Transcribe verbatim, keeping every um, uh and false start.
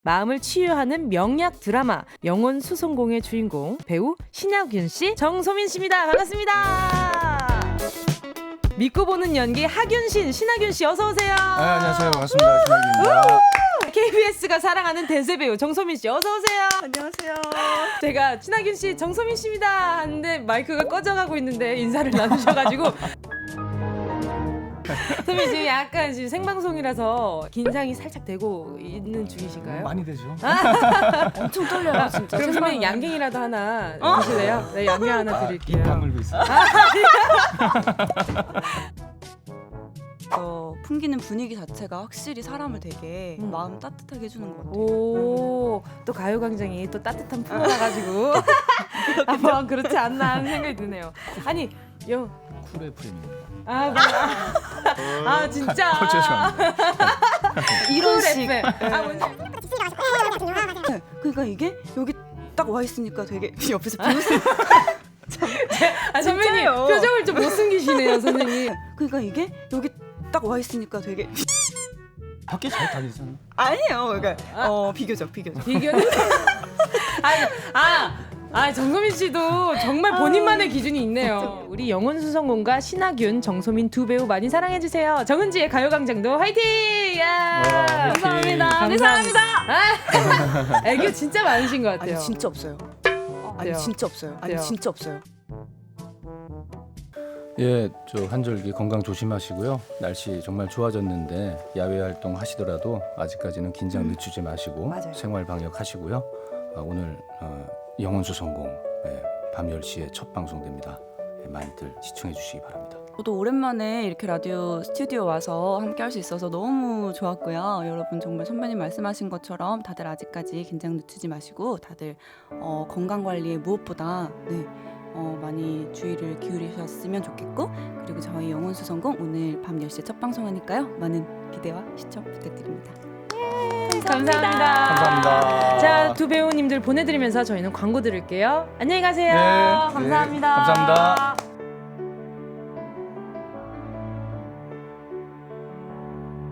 마음을 치유하는 명약 드라마 영혼 수송공의 주인공 배우 신하균 씨, 정소민 씨입니다. 반갑습니다. 믿고 보는 연기 하균신, 신하균 씨 어서 오세요. 네, 안녕하세요. 반갑습니다. 신하균입니다. 케이비에스가 사랑하는 대세 배우 정소민 씨 어서 오세요. 안녕하세요. 제가 신하균 씨, 정소민 씨입니다 하는데 마이크가 꺼져가고 있는데 인사를 나누셔가지고 소민 씨 약간 지금 생방송이라서 긴장이 살짝 되고 있는 중이신가요? 많이 되죠. 엄청 떨려요, 진짜. 그럼 선배님 양갱이라도 하나 주실래요? 네, 양갱 하나 아, 드릴게요. 입 다물고 있어요. 어, 풍기는 분위기 자체가 확실히 사람을 되게 음. 마음 따뜻하게 해주는 것 같아요. 오, 또 가요광장이 또 따뜻한 품어가지고 한번 그렇지 않나 하는 생각이 드네요. 아니, 영, 쿨의 프레임입니다. 아, 뭐, 아, 아 진짜. 어, 죄송합니다. 이런 쿨 식. 에프엠. 아, 뭔지. 네, 그러니까 이게 여기 딱 와 있으니까 되게 옆에서 비웃음. 아, 선배님 진짜요. 표정을 좀 못 숨기시네요, 선생님. 그러니까 이게 여기 딱 와 있으니까 되게 밖에 잘 다니잖아. 아니에요. 그러니까 아. 어 비교적 비교적. 비교. 아니, 아, 아 정소민 씨도 정말 본인만의 기준이 있네요. 우리 영혼 수성공과 신하균, 정소민 두 배우 많이 사랑해 주세요. 정은지의 가요광장도 화이팅! 야, 와, 화이팅. 감사합니다. 우리 사랑합니다. 아, 애교 진짜 많으신 것 같아요. 아니 진짜 없어요. 아니 돼요. 진짜 없어요. 아니 돼요. 진짜 없어요. 예, 저 한절기 건강 조심하시고요. 날씨 정말 좋아졌는데 야외 활동 하시더라도 아직까지는 긴장 늦추지 마시고 맞아요. 생활 방역 하시고요. 아, 오늘 어, 영혼수 성공 예, 밤 열 시에 첫 방송됩니다. 예, 많이들 시청해 주시기 바랍니다. 저도 오랜만에 이렇게 라디오 스튜디오 와서 함께 할 수 있어서 너무 좋았고요. 여러분 정말 선배님 말씀하신 것처럼 다들 아직까지 긴장 늦추지 마시고 다들 어, 건강 관리에 무엇보다 네, 어, 많이 주의를 기울이셨으면 좋겠고, 그리고 저희 영혼수성공 오늘 밤 열 시에 첫 방송하니까요. 많은 기대와 시청 부탁드립니다. 감사합니다. 감사합니다. 자, 두 배우님들 보내드리면서 저희는 광고 들을게요. 안녕히 가세요. 네, 네, 감사합니다. 감사합니다.